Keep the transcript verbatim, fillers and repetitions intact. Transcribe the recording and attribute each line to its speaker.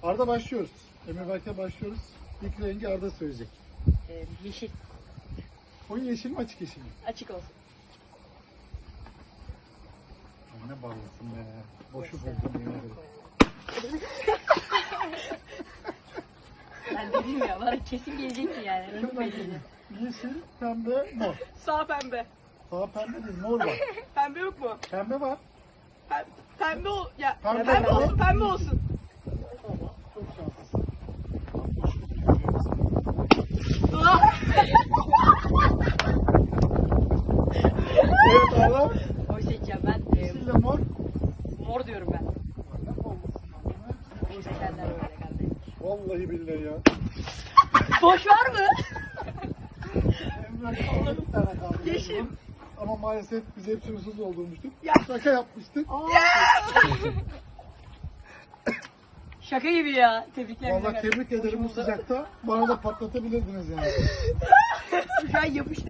Speaker 1: Arda başlıyoruz. Emir Berk'e başlıyoruz. İlk rengi Arda söyleyecek.
Speaker 2: Ee, yeşil.
Speaker 1: Koyu yeşil mi açık yeşil mi?
Speaker 2: Açık olsun.
Speaker 1: Ne bağlısın be. Boşu buldum yemin ederim.
Speaker 2: Ben dedim ya bana kesin gelecekti yani. Renk
Speaker 1: Kim
Speaker 2: belirli.
Speaker 1: Yeşil, pembe, mor.
Speaker 3: Sağ pembe.
Speaker 1: Sağ pembe değil, mor var.
Speaker 3: Pembe yok mu?
Speaker 1: Pembe var.
Speaker 3: Pembe, pembe ol ya.
Speaker 1: Pembe
Speaker 3: Pembe,
Speaker 1: var.
Speaker 3: olsun, pembe olsun.
Speaker 1: Tamam, çok şanslısın. Evet Arda.
Speaker 2: Oy seçeceğim ben. Ee,
Speaker 1: Yeşille mor.
Speaker 2: mor diyorum ben. Seçenler öyle kardeşim.
Speaker 1: Vallahi billahi ya.
Speaker 2: Boş var mı?
Speaker 1: Emre bir tane kaldı.
Speaker 3: Yeşil.
Speaker 1: Ama maalesef biz hepsini hırsız doldurmuştuk.
Speaker 3: Ya.
Speaker 1: Şaka yapmıştık.
Speaker 2: Şaka gibi ya. Tebrikler.
Speaker 1: Vallahi tebrik ederim bu sıcakta. Bana da patlatabilirdiniz yani.
Speaker 3: Şu an yapıştı.